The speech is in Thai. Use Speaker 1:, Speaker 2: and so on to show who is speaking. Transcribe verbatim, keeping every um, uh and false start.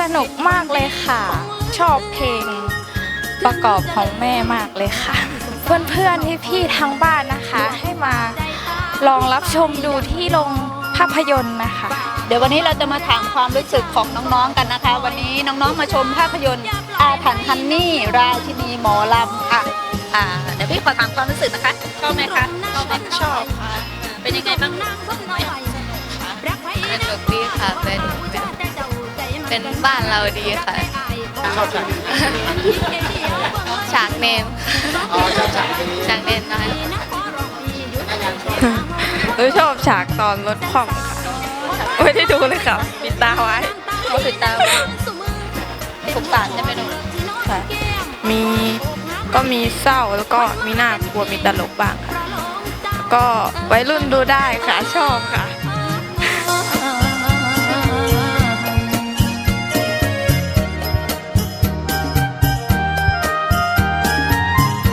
Speaker 1: นุกมากเลยค่ะ ชอบเพลงประกอบของแม่มากเลยค่ะ เพื่อนๆพี่ๆทางบ้านนะคะ ให้มาลองรับชมดูที่โรงภาพยนตร์นะคะ
Speaker 2: เดี๋ยววันนี้เราจะมาถามความรู้สึกของน้องๆกันนะคะ วันนี้น้องๆมาชมภาพยนตร์อาถรรพ์ฮันนี่ราชินีหมอลำค่ะอ่าเดี๋ยวพี่ขอถามความรู้สึกนะคะชอบไหมคะชอบไหมชอบค่ะเป็นยังไงบ้างสนุกไหมสนุกดีค่ะเป็นเป็นบ้านเราดีค่ะ
Speaker 3: ชอบฉาก
Speaker 2: ฉากเนม
Speaker 3: อ๋อชอบฉากนี้
Speaker 2: ฉากเนมน้อย
Speaker 1: หนูชอบฉากตอนรถคว่ำค่ะไม่ได้ดูเลยค่ะปิดตาไว้
Speaker 2: เขาติดตามสงสารจะไปดู
Speaker 1: ค่ะมีก็มีเศร้าแล้วก็มีน่ากลัวมีตลกบ้างค่ะก็วัยรุ่นดูได้ค่ะชอบค่ะ